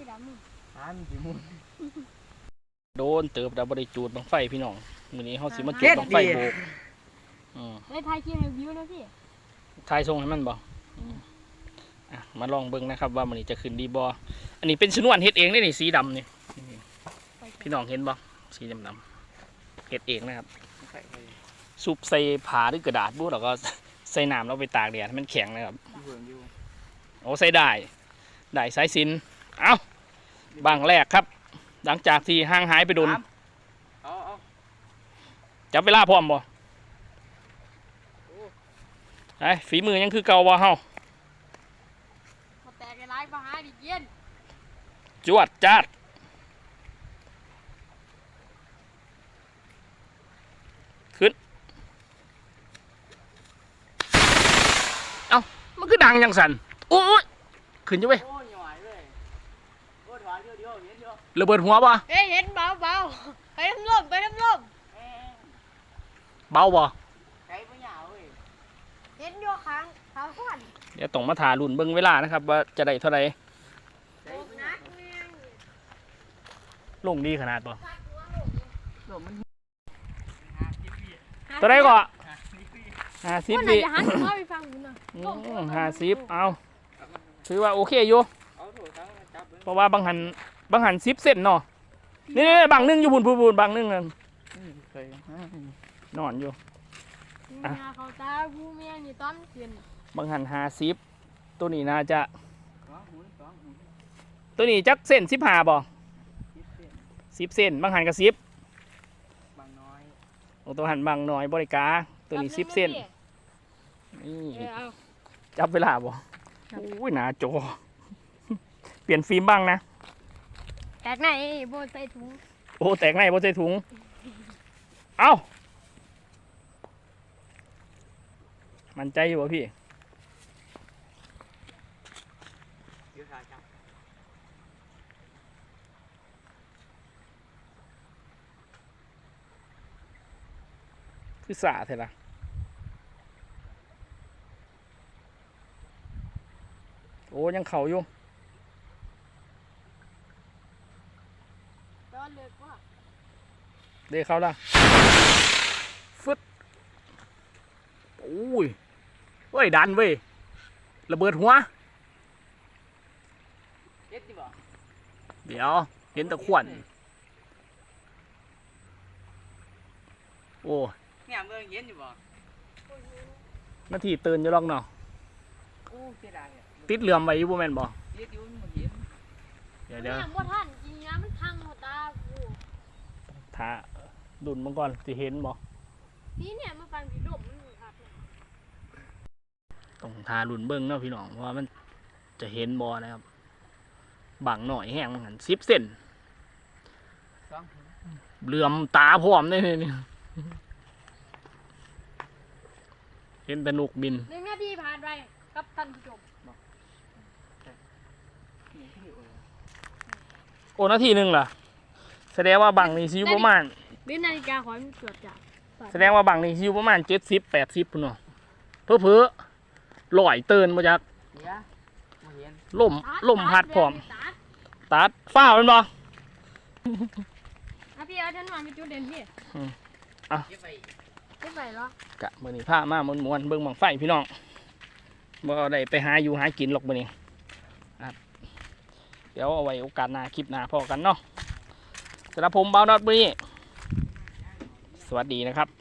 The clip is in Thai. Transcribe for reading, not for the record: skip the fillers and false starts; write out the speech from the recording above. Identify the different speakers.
Speaker 1: สีดำ
Speaker 2: สีมุน
Speaker 3: โดนเติบดับบริจูดบังไฟพี่น้องมื้อนี้เฮาสิมาจุดบังไฟโบก
Speaker 1: ได้ทายคิวให้วิวนะพี่
Speaker 3: ทายทรงให้มันบ่มาลองเบิ่งนะครับว่ามื้อนี้จะขึ้นดีบ่อันนี้เป็นชนวนเฮ็ดเองได้นี่สีดำนี่พี่น้องเห็นบ่สีดำเฮ็ดเองนะครับซุปใส่ผ้าหรือกระดาษบ่แล้วก็ใส่น้ำแล้วไปตากแดดให้มันแข็งนะครับโอ้ใส่ได้สายสิญจน์เอ้าบางแรกครับหลังจากที่ห่างหายไปโดนจับเวลาพร้อมบ่ไอ้ฝีมือยังคือเก่าบ่เฮา
Speaker 1: มาแตกไอ้ร้ายมาหาดิเย็น
Speaker 3: จวดจัดขึ้นเอ้ามันคือดังยังสั่นโอ้ยขึ้นอยู่เว้ยระเบิดหัวป่ะ
Speaker 1: เห็นเบาไปทำลม
Speaker 3: เบาป่ะ
Speaker 1: เห็นโยค้างเขาขวัญ
Speaker 3: เดี๋ยวต้องมาถ่ารุ่นเบิ้งเวลานะครับว่าจะได้เท่าไหร่ลงดีขนาดป่ะตัวไหนก่อน50วิ50เอาถือว่าโอเคอยู่เพราะว่าบางหัน10 เซนเนาะนี่บางนึงอยู่บุญบางนึงนั่นนอนอยู่
Speaker 1: เขาตาผู้เมียนี่ต้นเปลี่ยน
Speaker 3: บางหัน50ตัวนี้น่าจะตัวนี้จักเส้น15บ่10 เซนบางหันกับ10
Speaker 2: บางน้อย
Speaker 3: ตัวหันบางน้อยบริกาตัวนี้10 เซนนี่จับเวลาบ่อุ้ยหนาโจเปลี่ยนฟิล์มบ้างนะ
Speaker 1: แตกไหนโบใส่ถุง
Speaker 3: โอ้แตกไหนโบใส่ถุงเอ้ามันใจอยู่ป่ะพี่คือสาเถอะล่ะโอ้ยังเข่าอยู่เดี๋ยวเขาละฟึดโอ้ยเว้ยดันเว้ยระเบิดหัวเดี๋ยวเห็นตะขวัญโอ้
Speaker 2: เนี่ยเมืองเย็นอยู่บ่
Speaker 3: นาทีตื่นอยู่หรอกเนาะติดเหลื่อมไว้อยู่บ่แม่นบ่เดี๋ยว
Speaker 1: บ่ทันจริงนะมันพังหมดตากู
Speaker 3: ถ้าดุนมังก่อนสิเห็นบ่
Speaker 1: นี่เนี่ยมันฟังผีดมมันครับ
Speaker 3: ต้องทาลุ่นเบิ้งเนาะพี่น้องว่ามันจะเห็นบ่นะครับบังหน่อยแห้งมัน10 เซนเหลื่อมตาพร้อมได้นี่เห็นแต่นกบิน
Speaker 1: 1 นาทีผ่านไปกับท่านผู้ชม
Speaker 3: โอ้นาทีนึงล่ะแสดงว่าบังนี่ซิวประมาณ
Speaker 1: นาฬิกาขอมันตรวจจับ
Speaker 3: แสดงว่าบังนี่ซิวประมาณ70-80พุ่นเนาะเพ้อลอยเตือนมาจากลมพัดพร้อมตัดฝ้าเป็นบ่
Speaker 1: พี่เอาฉันวางไปจุดเด่นพี่เก็บไปเหร
Speaker 3: อกะมื้อนี้พามามวนๆเบิ่งบังไฟพี่น้องบ่ได้ไปหาอยู่หากินหรอกมื้อนี้ครับเดี๋ยวเอาไว้โอกาสหน้าคลิปหน้าพอกันเนาะสำหรับผมบ่าวนอตมื้อนี้สวัสดีนะครับ